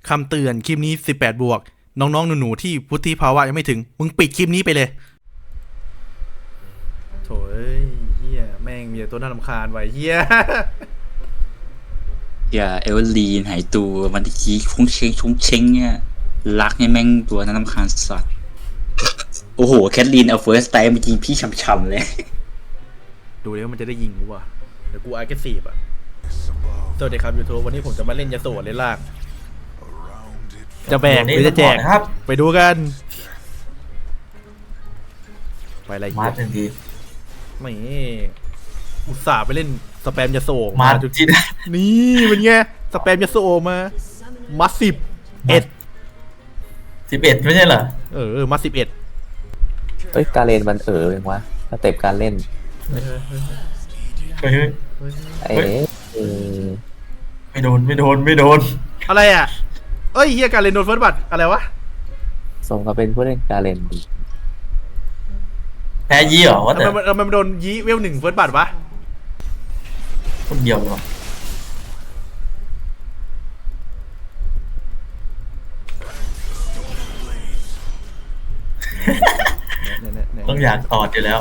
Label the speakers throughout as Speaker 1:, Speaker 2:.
Speaker 1: คำเตือนคลิปนี้18 บวกน้องๆหนูๆที่วุฒิภาวะยังไม่ถึงมึงปิดคลิปนี้ไปเลยโถ่เฮียแม่งมีแต่ตัวน่ารำคาญไว้เฮีย
Speaker 2: อย่าเอเวอร์ลีนหายตัวมันตะกี้ชงเชงเนี่ยรักเนี่ยแม่งตัวนั้นรำคาญสัตว์โอ้โหแคทลีนเอาเฟิร์สไทม์ไปยิงพี่ช่ำๆเลย
Speaker 1: ดูแล้วมันจะได้ยิงกูว่ะเดี๋ยวกูอาร์เกซีฟอ่ะสวัสดีครับยูทูบวันนี้ผมจะมาเล่นยาโสเล่นลากจะแบกหรือจะแจก
Speaker 3: ครับ
Speaker 1: ไปดูกันไปอะไร
Speaker 3: มา
Speaker 1: เงี้ย
Speaker 3: ทันที
Speaker 1: ไม่อุตส่าห์ไปเล่นสแปมยาโส
Speaker 3: มา
Speaker 1: จุด
Speaker 3: ที่
Speaker 1: นี่เป็นไงสแปมยาโสมา11
Speaker 3: ไม่ใช่เหรอ
Speaker 1: มา11
Speaker 4: เอ้ยการเล่นมันเองวะสเต็ปการเล่น
Speaker 3: เฮ้ย
Speaker 4: เอ๊ะ
Speaker 3: ไม่โดน
Speaker 1: อะไรอ่ะเอ้ยเฮียการเล่นโดนเฟิร์สบัตอะไรวะ
Speaker 4: สมกับเป็นผู้เล่นการเล่นดี
Speaker 3: แพ้ยี่เหรอวะแต่
Speaker 1: ทำไมมันโดนยีเวล1เฟิร์สบัตวะ
Speaker 3: คนเดียวเหรอต้องอยากตอดอยู่แล้ว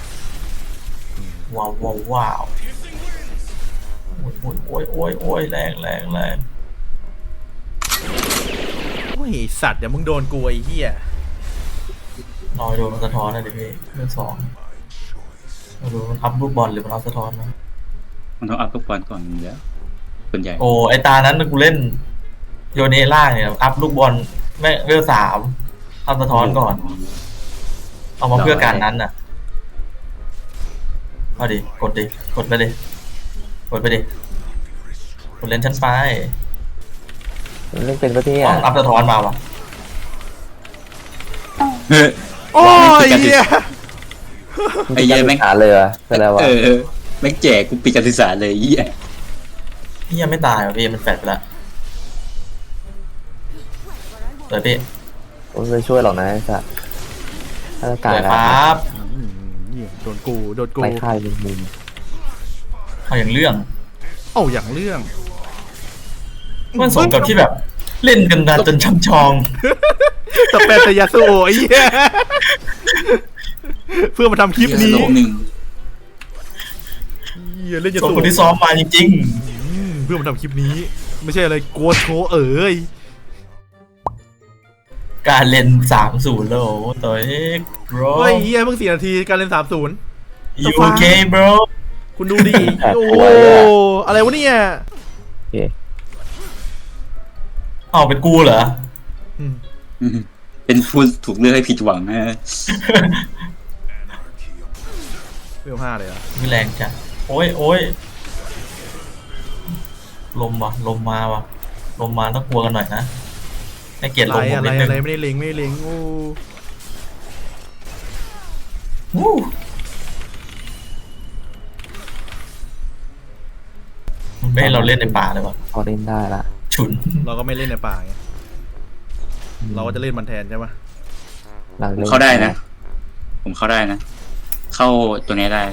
Speaker 3: ว้าวโอ้ยแรง
Speaker 1: โอ้ยสัตว์เดี๋ยวมึงโดนกูไอ้เหี้ย
Speaker 3: น้อยโดนมันสะท้อนนะดิพี่เรื่องสองมาดูมันอัพลูกบอลหรือมันอัพสะท้อนนะ
Speaker 2: มันต้องอัพลูกบอลก่อนเดี๋ยวส่วนใหญ่
Speaker 3: โอ้ไอตานั้นกูเล่นโยเนล่าเนี่ยอัพลูกบอลแม่เรื่องสามอัพสะท้อนก่อนเอามาเพื่อการนั้นน่ะเอาดิกดไปดิกดเล่นชั้นไป
Speaker 4: มันเล่นเป็นประเทศ
Speaker 3: ต้องอัพสะท้อนมาวะ
Speaker 2: เฮ้ย
Speaker 1: โอ้ยเหี้ย
Speaker 2: ไอ้เหี้ยแม่ง
Speaker 4: หาเรือไปแล้ววะ
Speaker 2: แม่งแจกกูปิดการศึกษาเลยเหี้ย
Speaker 3: พี่ยังไม่ตายเหรอพี่มันแฟดไปละเดี๋ยวพี่
Speaker 4: ผมไม่ช่วยหรอกนะไอ้สัสถ้าจะกา
Speaker 3: เดี๋
Speaker 4: ร
Speaker 3: ยวครับ
Speaker 1: เหี้ยโดนกู
Speaker 4: ไล่ค่ายมุม
Speaker 3: เอาอย่างเรื่อง
Speaker 1: เอ้าอย่างเรื่อง
Speaker 3: มันสมกับที่แบบเล่นกันนานจนช้ำชอง
Speaker 1: สแปมแต่ยาโซไอ้เหี้ยเพื่อมาทำคลิปนี้
Speaker 2: โลกหนึ่ง
Speaker 1: เหี้ยเล่นยา
Speaker 3: ส่
Speaker 1: โซ
Speaker 3: งคนที่ซ้อมมาจริง
Speaker 1: เพื่อมาทำคลิปนี้ ไม่ใช่อะไรกลัวโชว์เอ้ย
Speaker 3: ๆการเล่น3-0แล้วตัวเอกบร
Speaker 1: เฮ้ยเหี้ยเพิ่ง4 นาทีการเล่น30
Speaker 3: ยูเคบร
Speaker 1: คุณดูดิโอ้โหอะไรวะเนี่ย
Speaker 4: โอเค
Speaker 3: เอาเป็นกูเหรอ
Speaker 2: เป็นผู้ถูกเลือกให้ผิดหวังนะ
Speaker 1: เวล5เลยเหรอ่ะ
Speaker 3: มีแรงจ้ะโอ้ยลมมาว่ะลมมาต้องกลัวกันหน่อยนะให้เกียรติลมผม
Speaker 1: อะไร
Speaker 3: นิดนึง
Speaker 1: ไม่ได้เล็งโอ้
Speaker 3: วู้มันไม่ให้เราเล่นในป่าเลยวะ
Speaker 4: พอเล่นได้ละ
Speaker 3: ฉุน
Speaker 1: เราก็ไม่เล่นในป่าไงเราก็จะเล่นมันแทนใช่ไหม
Speaker 4: หลัง
Speaker 2: ผม
Speaker 4: เล่น
Speaker 2: เข้าได้นะ ผมเข้าได้นะ เข้าตัวนี้ได้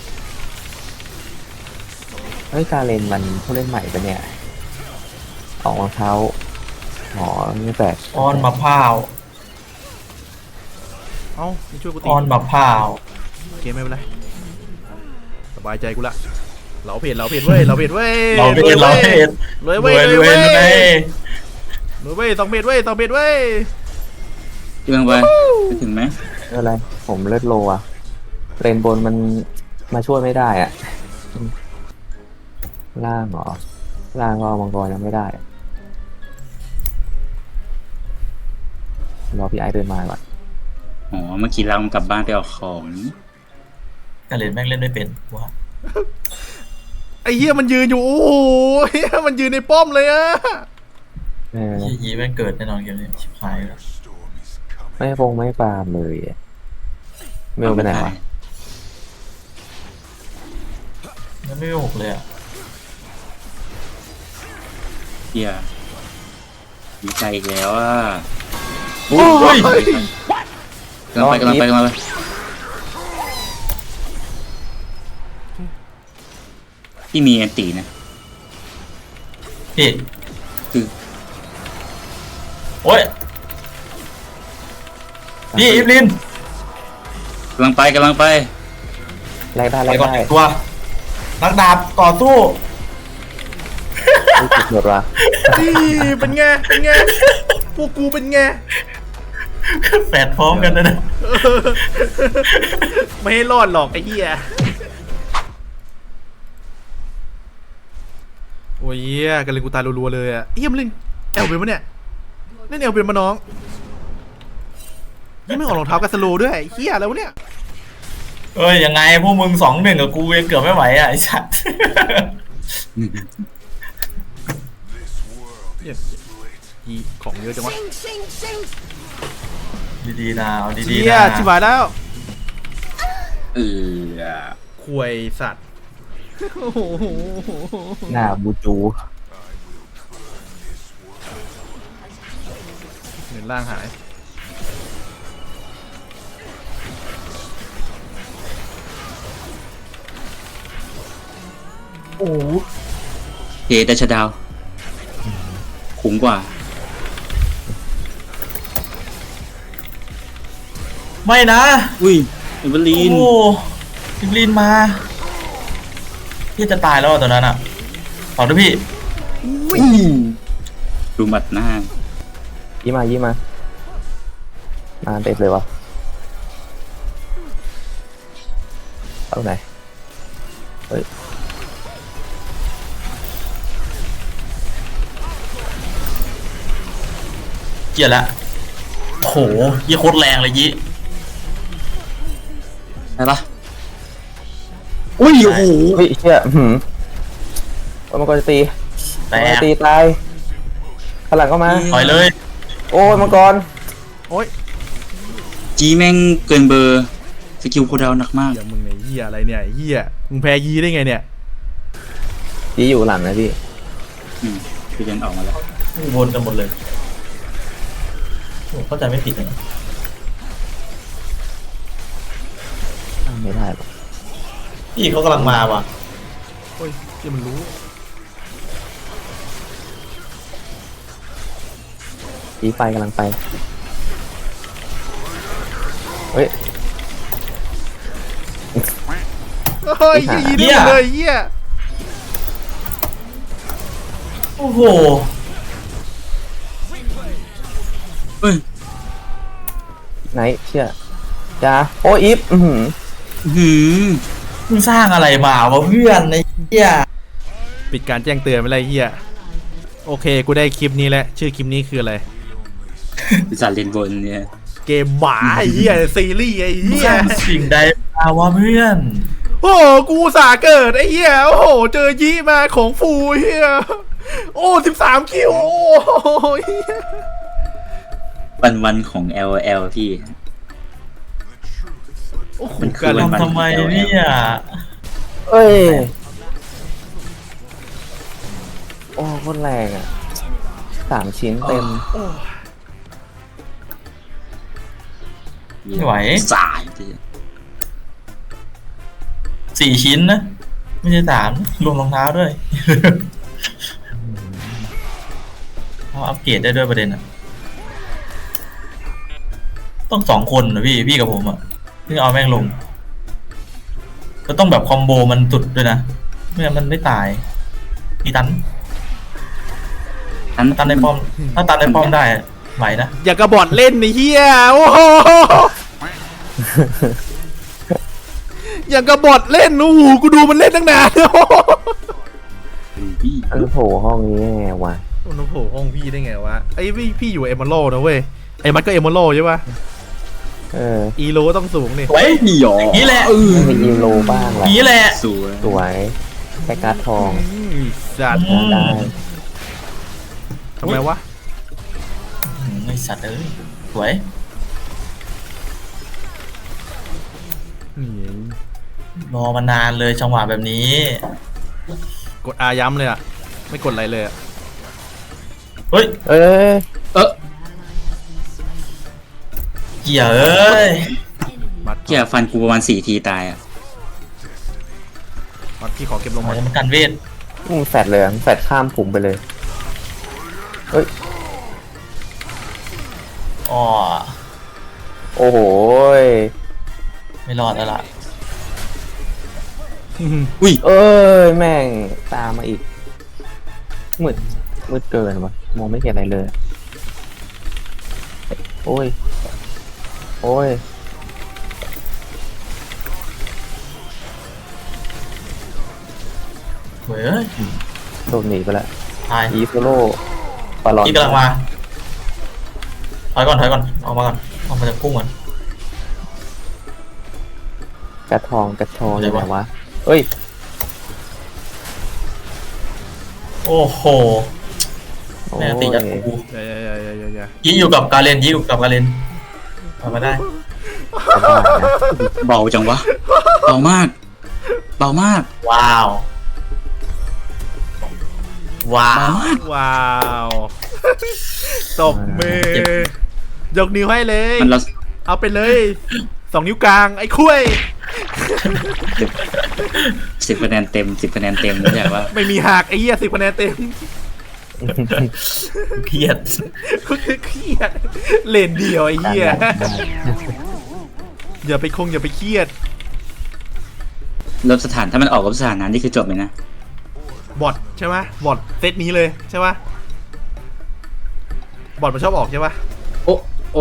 Speaker 4: เฮ้ยการเล่นมันผู้เล่นใหม่ปะเนี่ยออกรองเท้าหอไม่แปลก
Speaker 3: อ้อนมะพร้าว
Speaker 1: เอ้านี่ช่วยกูตี
Speaker 3: อ้อนมะพร้าว
Speaker 1: โอเคไม่เป็นไรสบายใจกูละเราเพจเว้ยเราเพจเว้ย
Speaker 3: เราเพจ
Speaker 1: รวย
Speaker 3: ร
Speaker 1: เว้
Speaker 3: วย ย
Speaker 1: รวย
Speaker 3: เลย
Speaker 1: เว้ย2 เพจเว้ย2 เพจเว้ย
Speaker 2: เรื่องไปไปถึงไหม
Speaker 4: ไม่เป็นไรผมเลือดโลอะเลนบนมันมาช่วยไม่ได้อะล่างเหรอล่างก็เอามังกรยังไม่ได้รอพี่ไอเดินมาก่อน
Speaker 2: อ๋อเมื่อกี้เรากลับบ้านไปเอาของ
Speaker 3: กาเลนแม่งเล่นไม่เป็นว่ะ
Speaker 1: ไอ้เหี้ยมันยืนอยู่โอ้โหเหี้ยมันยืนในป้อมเลยอะ
Speaker 3: ยีแม่งเกิดแน่นอนเกมนี้ชิบหายแล้ว
Speaker 4: ไม่ฟงไม่ปาล์มเลยอะเมลไปไหนวะ
Speaker 3: มันไม่หกเลยอ่ะ
Speaker 2: เฮียดีใจอีกแล้วอ่ะ
Speaker 1: โอ้ย
Speaker 2: กำลังไปที่มีแอนตีนะ
Speaker 3: พี่
Speaker 2: คือ
Speaker 3: โอ้ยนี่อีฟลิน
Speaker 2: กำลังไป
Speaker 4: แลกได้
Speaker 3: ไป
Speaker 4: แลก
Speaker 3: ก่อน
Speaker 4: ได้
Speaker 3: 1 ตัวนักดาบต่อสู้
Speaker 4: รู้สึกหมดว่ะ
Speaker 1: นี่เป็นไงพวกกูเป็นไง
Speaker 3: แฝดพร้อมกันนะ
Speaker 1: ไม่ให้รอดหรอกไอ้เหี้ยโอ้ยเหี้ยกันเลยกูตายรัวๆเลยอ่ะเหี้ยมันเล่นแอลเป็นปะเนี่ยเล่นแอลเป็นมาน้องนี่ไม่ออกรองเท้ากันสโลว์ด้วยเหี้ยอะไรวะเนี่ย
Speaker 3: เอ้ยยังไงพวกมึง2-1กับกูยังเกือบไม่ไหวอ่ะไอ้สัตว์
Speaker 1: เนี่ยอีของเยอะจังวะ
Speaker 3: ดีๆนะเอาดี
Speaker 1: เหี้
Speaker 3: ๆ
Speaker 1: ย
Speaker 3: นะ
Speaker 1: ชิบหายแล้ว
Speaker 2: เออ
Speaker 1: ควยสัตว์โอ้โห
Speaker 4: หน้าบูจู
Speaker 1: เงินล่างหาย
Speaker 4: โอ้
Speaker 2: เฮดัชดาวคุ้มกว่า
Speaker 3: ไม่นะ
Speaker 2: อุ้ยเอเวอร์ลีน
Speaker 3: โอ้อีฟลินมาพี่จะตายแล้วอ่ะตอนนั้นอ่ะขอด้วยพี่
Speaker 2: ดูหมัดหน้า
Speaker 4: ยี่มาเต็มเลยวะเอาไหนเฮ้ย
Speaker 3: เกลียดละโอ้โหยี่โคตรแรงเลยยี่
Speaker 2: ใช่ปะอุ้ยโอ้โห
Speaker 4: เฮ้ยเชี่ยว่ามังกรจะตี
Speaker 3: แต
Speaker 4: มังกร
Speaker 3: ก
Speaker 4: ตีตายข้างหลังก็มา
Speaker 3: ถอยเลย
Speaker 4: โอ้ยมังกร
Speaker 1: โอ้ย
Speaker 2: จีแม่งเกินเบอร์สกิลโคดาวหนักมาก
Speaker 1: เหี้ยมึงไอ้เหี้ยอะไรเนี่ยไอ้เหี้ยมึงแพ้ยีได้ไงเนี่ย
Speaker 4: ยี่อยู่หลังนะพี่
Speaker 2: คือเดินออกมาแล้ว
Speaker 3: วนกันหมดเลยโอ้เข้าใจไม่ผิดเลย
Speaker 4: ไม่ได้หรอก
Speaker 3: พี่เขากำลังมาว่ะ
Speaker 1: โอ้ยที่มันรู้
Speaker 4: ตีไฟกำลังไปเฮ้ย
Speaker 1: เฮ้ยยีได้หมดเลยเหี้ย
Speaker 3: โอ้โห
Speaker 2: เฮ้ย
Speaker 4: ไหนเชี่ยจ้าโอ้อีฟ
Speaker 2: หืม
Speaker 3: มึงสร้างอะไรมาวะเพื่อนไอ้เหี้ย
Speaker 1: ปิดการแจ้งเตือนไปเลยเหี้ยโอเคกูได้คลิปนี้แล้วชื่อคลิปนี้คืออะไร
Speaker 2: ปีศาจเลนบนเนี่ย
Speaker 1: เกมหมาไอ้เหี้ยซีรีส์ไอ้
Speaker 3: มึง
Speaker 1: เหี้
Speaker 3: ส
Speaker 1: ย
Speaker 3: ร้างสิ่งใดมาวะเพื่อน
Speaker 1: โอ้โหกูอุตสาห์เกิดไอ้เหี้ยโอ้โหเจอยีมาของฟูเหี้ยโอ้13 คิวโอ้ย
Speaker 2: วันของ LL พี่
Speaker 1: โอ้โห
Speaker 2: มันคือ
Speaker 1: การเล่น
Speaker 2: วัน
Speaker 3: ทำไมเนี่ย
Speaker 4: เอ้ยโอ้โคตรแรงอ่ะ3 ชิ้นเต็ม
Speaker 3: ไม่ไหว
Speaker 2: สายพี่
Speaker 3: 4 ชิ้นนะไม่ใช่3รวมรองเท้าด้วยเขาอัปเกรดได้ด้วยประเด็นอ่ะต้อง2 คนนะพี่กับผมอ่ะเพิ่งเอาแม่งลงก็ต้องแบบคอมโบมันสุดด้วยนะไม่งั้นมันไม่ตายอีตันตันในป้อมถ้าตันในป้อมได้ไหวนะ
Speaker 1: อย่ากระบอดเล่นไอ้เหี้ยโอ้โหอย่างกระบอดเล่นโอ้โหกูดูมันเล่นตั้งนานโอ้โห
Speaker 2: พี่
Speaker 4: อันโผล่ห้องนี้ไงวะ
Speaker 1: มันโผล่ห้องพี่ได้ไงวะไอ้พี่อยู่เอมเมอรัลนะเว้ยไอ้มันก็เอมเมอรัลใช่ปะ อีโลต้องสูงนี่
Speaker 3: สวย
Speaker 2: นี่หรอ
Speaker 3: อย่างนี้แหละ
Speaker 4: ไม่มีอีโลบ้างแห
Speaker 3: อ
Speaker 4: ละ
Speaker 3: ย่างนี้แหละ
Speaker 2: สวย
Speaker 4: สวยแค่การ์ดทอง
Speaker 1: สัตว์
Speaker 4: ได้
Speaker 1: ทำไมวะ
Speaker 3: ไอสัตว์เอ้ยสวย
Speaker 1: นี่
Speaker 3: รอมานานเลยจังหวะแบบนี้
Speaker 1: กดอาย้ำเลยอ่ะไม่กดอะไรเลยอ่ะ
Speaker 3: เฮ้ย
Speaker 4: เอ้ย
Speaker 3: เกี่ยเอ้ย
Speaker 1: มัด
Speaker 2: เกี่ยฟันกูประมาณ4 ทีตายอ่ะ
Speaker 1: มัดพี่ขอเก็บลง
Speaker 3: มั
Speaker 1: มาน
Speaker 3: กันเวท
Speaker 4: มึงแฟดเลยมึงแฟดข้ามผมไปเลยเฮ้ย
Speaker 3: อ๋อ
Speaker 4: โอ้โหย
Speaker 3: ไม่รอดแล้วล่ะ
Speaker 2: อุ้ย
Speaker 4: เอ้ยแม่งตามมาอีกมืดมืดเกินวะมองไม่เห็นอะไรเลย โอ้ย โอ้ย
Speaker 3: เฮ้ย
Speaker 4: โดนหนีไปแล้ว
Speaker 3: ตาย
Speaker 4: อีโซโล่ปาลอน
Speaker 3: พี่กำลังมาถอยก่อนออกมาก่อนออกมาจากกุ้งก่อน
Speaker 4: กระทองอ
Speaker 3: อะไร
Speaker 4: ยู่ไหน
Speaker 3: วะ
Speaker 4: วะเอ้ย
Speaker 3: โอ้โห
Speaker 4: โอ้
Speaker 3: แม่งตีจาก
Speaker 4: ย
Speaker 3: กู
Speaker 1: อย่า
Speaker 3: ยี่อยู่กับกาเลนยี่อยู่กับกาเลนเอามาได้
Speaker 4: กระบาดนะ
Speaker 2: เบาจังวะเบามากเบามาก
Speaker 3: ว้าว ว้า
Speaker 2: เบาว มาก
Speaker 1: ว้าวตบมือยกนิ้วให้เลย
Speaker 2: มันเรา
Speaker 1: เอาไปเลย2 นิ้วกลางไอ้คุ้ย
Speaker 2: 10 คะแนนเต็ม 10 คะแนนเต็มไม่ใช่ว่า
Speaker 1: ไม่มีหักไอ้เหี้ย10 คะแนนเต็ม
Speaker 3: เครียด
Speaker 1: ก็คือเครียดเลนเดียวไอ้เหี้ยอย่าไปเครียด
Speaker 2: ลบสถานถ้ามันออกลบสถานนั้นนี่คือจบเลยนะ
Speaker 1: บอทใช่ไหมบอทเซตนี้เลยใช่ไหมบอทมันชอบออกใช่ปะ
Speaker 2: โอ้โอ้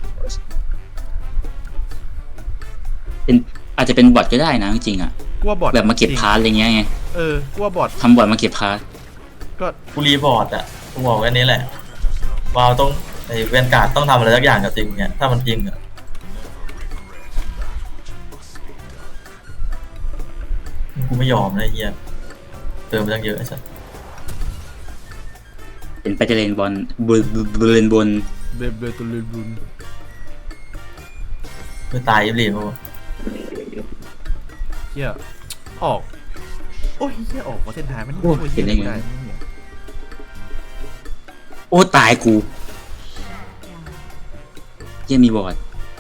Speaker 2: เป็นอาจจะเป็นบอทก็ได้นะจริงๆอ่ะ
Speaker 1: กูว่าบอท
Speaker 2: แบบมาเก็บพาร์ทอะไรเงี้ยไง
Speaker 1: กูว่าบอท
Speaker 2: ทำบอทมาเก็บพาร์ท
Speaker 1: ก็
Speaker 3: กูรีบอร์ดอ่ะกูบอกแค่นี้แหละวาวต้องไอเวนการ์ดต้องทำอะไรสักอย่างกับจริงเนี่ยถ้ามันจริงอ่ะกูไม่ยอมนะไอ้เฮียเติมไปตั้งเยอะไอ้สัส
Speaker 2: เป็นไปจะเลนบอลบเลนบน
Speaker 1: เบตุลิบุน
Speaker 3: เพื่อตายยิบหลีมั้ง
Speaker 1: เหี้ยออกโอ้ยเหี้ยออกมาเส้นทางมันช่วยเหี้ยไม่ได้
Speaker 2: โอ้ตายกูเยังมีบอท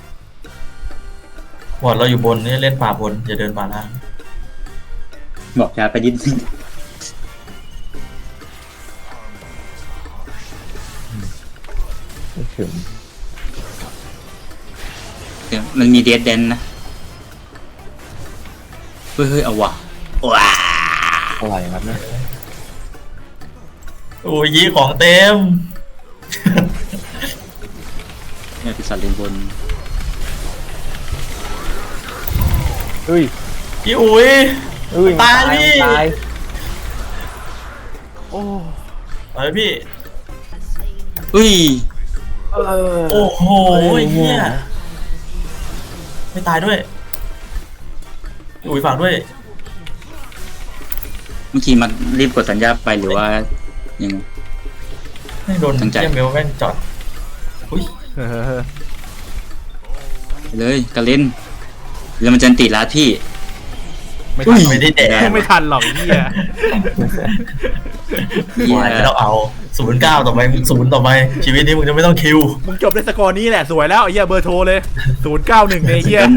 Speaker 3: บอร์ดเราอยู่บนนี่เล่นป่าบนอย่าเดินป่าล่าง
Speaker 2: บอกจะไปดิ้น
Speaker 4: ไม่ถึง
Speaker 2: เดี๋ยวมันมีเดดเดนนะเฮ้ยเอาว่ะว้า
Speaker 4: อะไรครับเนี่ย
Speaker 3: โอ้ยยี่ของเต็ม
Speaker 2: เนี่ยปีศาจเลนบน
Speaker 4: เฮ้ย
Speaker 3: พี่อุ๋ย
Speaker 4: เฮ้ย
Speaker 3: ตายพี่
Speaker 4: ตาย
Speaker 1: โอ้
Speaker 3: ไปพี่
Speaker 2: อุ้ย
Speaker 4: เออ
Speaker 3: โอ้โหเฮียไม่ตายด้วยพี่อุ๋ยฝากด้วย
Speaker 2: เมื่อกี้มันรีบกดสัญญาไปหรือว่ายัง
Speaker 3: ไม่โดน
Speaker 2: ตั้งใจ
Speaker 3: เยี่ยมเมลแม่งจอดอุ้ย
Speaker 2: ไปเลยกระเล่นแล้วมันจะตีร้านพี่
Speaker 1: ไม่ทัน
Speaker 3: ไม่ได้แดก
Speaker 1: ไม่ทันหรอกเหี้ย
Speaker 2: เหี้ย
Speaker 3: ไม่ต้องเอา09ต่อไป0ต่อไปชีวิตนี้มึงจะไม่ต้องคิว
Speaker 1: มึงจบด้วยสกอร์นี้แหละสวยแล้วไอ้เหี้ยเบอร์โทรเลย091ไอ้เหี้ย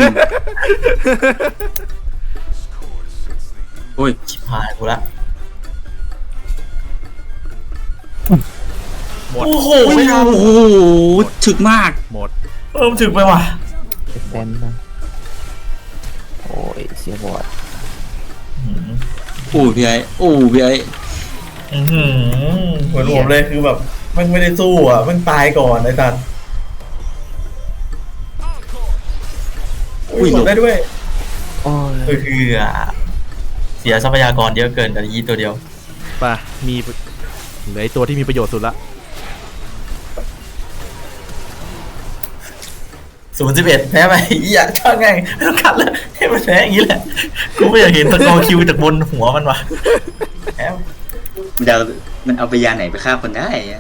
Speaker 2: โอ้ย
Speaker 3: ชิบหายกูละ
Speaker 1: หมด
Speaker 3: โอ้โห
Speaker 2: โอ้
Speaker 3: ไม่ทัน
Speaker 2: โหถึกมาก
Speaker 1: หมด
Speaker 3: มถึงไปว่ะ
Speaker 4: เต้นนะโอ้ยเสียบอด
Speaker 2: โอ้พี่ไอ้โอ้พี่ไอ้
Speaker 3: เหมือนผมเลยคือแบบมันไม่ได้สู้อ่ะมันตายก่อนไอ้สัตว์อุ้ยหลบได้ด้วย
Speaker 4: โอ้ย
Speaker 3: คือเสียทรัพยากรเยอะเกินแต่ยีตัวเดียว
Speaker 1: ป่ะมีเหลือไอ้ตัวที่มีประโยชน์สุดละ
Speaker 3: 0-11แพ้ไปอีอ่ะช่างไงไม่ต้องขัดเลยให้มันแพ้อย่างนี้แหละกูไม่อยากเห็นตะกอคิวจากบนหัวมันว่ะแพ้
Speaker 2: มันเอาไปยาไหนไปฆ่าคนได้อะ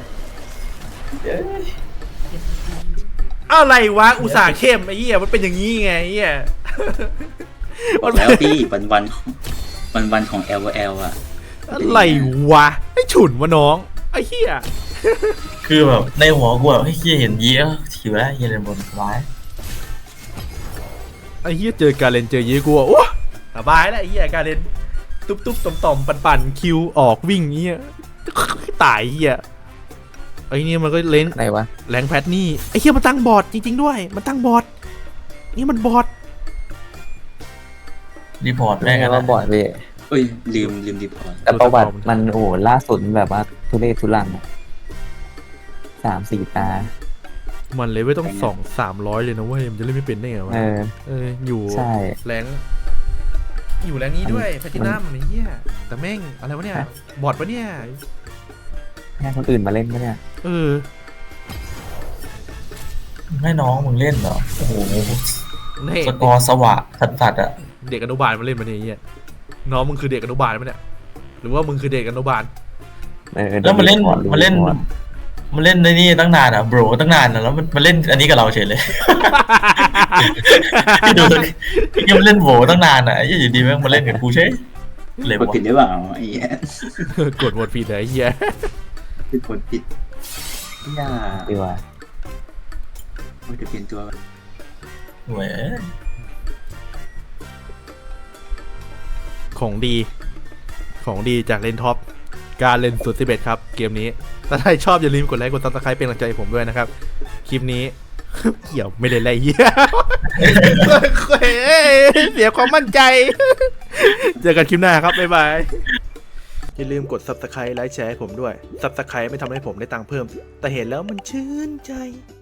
Speaker 1: อะไรวะอุตส่าห์เข้มไอ้เหี้ยมันเป็นอย่างนี้ไงไอ้เหี้ยมัน
Speaker 2: แล้วพี่วันของ LOL อ่ะ
Speaker 1: อะไรวะไอ้ฉุนวะน้องไอ้เหี้ย
Speaker 3: คือแบบในหัวกูแบบให้เห็นยี้ถิวแล้วยีเล่นบนร้าย
Speaker 1: ไอ้เหี้ยเจอการเล่นเจอยี้กูอ่ะโอ้สบายแล้วไอ้เหี้ยการเล่นตุ๊บๆต่อมๆปั่นๆคิวออกวิ่งเงี้ยตายเหี้ยไอ้นี่มันก็เล่น
Speaker 4: ไหนวะ
Speaker 1: แรงแพทนี่ไอ้เหี้ยมันตั้งบอร์ดจริงๆด้วยมันตั้งบอร์ดนี่มันบอร์ด
Speaker 3: รีพอร์ต
Speaker 4: แม่
Speaker 3: แม่ง
Speaker 4: ง
Speaker 3: กัน
Speaker 4: ว่า
Speaker 3: นะ
Speaker 4: บ่อยพี่
Speaker 2: เอ้ยลืมรีพอร์ต
Speaker 4: แต่ประวัติมันโอ้โหล่าสุดแบบว่าทุเรศทุลังอะ3-4 ตา
Speaker 1: มันเลยไม่ต้อง200-300เลยนะเว้ยมันจะเล่นไม่เป็นได้ไงวะ อยู่
Speaker 4: ใช่
Speaker 1: แรงอยู่แรงนี้ด้วยแพทินัมไอ้เหี้ยแต่แม่งอะไรวะเนี่ยบอร์ดปะเนี่ย
Speaker 4: ให้คนอื่นมาเล่นปะเนี่ย
Speaker 3: ให้น้องมึงเล่นเหรอโอ้โห
Speaker 1: นี่
Speaker 3: สกอร์สวะสัดๆอ่ะ
Speaker 1: เด็กอนุบาลมาเล่นมาเนี่ยไอ้เหี้ยน้องมึงคือเด็กอนุบาลปะเนี่ยหรือว่ามึงคือเด็กอนุบาล
Speaker 3: แล้วมันเล่น
Speaker 4: ก่อรู้
Speaker 3: มันเล่น
Speaker 4: ก่อ
Speaker 3: มันเล่นในนี่ตั้งนานอ่ะโบรตั้งนานอ่ะแล้วมันเล่นอันนี้กับเราเฉยเลย พี่ดูยังมันเล่นโบตั้งนานอ่ะอยู่ดีแม่งมาเล่นกับกูเฉยเลย
Speaker 2: กด
Speaker 3: วะ
Speaker 2: ผิดหรือเปล่าไอ้เหี้ย
Speaker 1: กดหมดผิดเลยไอ้เหี้ย
Speaker 2: กดผิดอย่า
Speaker 4: ดีกว่า
Speaker 2: ว่าจะเปลี่ยนตัว
Speaker 3: เว้ย
Speaker 1: ของดีจากเลนท็อปการเล่นสุด11ครับเกมนี้ถ้าใครชอบอย่าลืมกดไลค์กดซับสไครป์เป็นกำลังใจให้ผมด้วยนะครับคลิปนี้ เกี่ยวไม่ได้ไรเหี้ย เสียความมั่นใจ เจอกันคลิปหน้าครับบ๊ายบายอย่าลืมกด subscribe ไลค์แชร์ให้ผมด้วย subscribe ไม่ทำให้ผมได้ตังค์เพิ่ม แต่เห็นแล้วมันชื่นใจ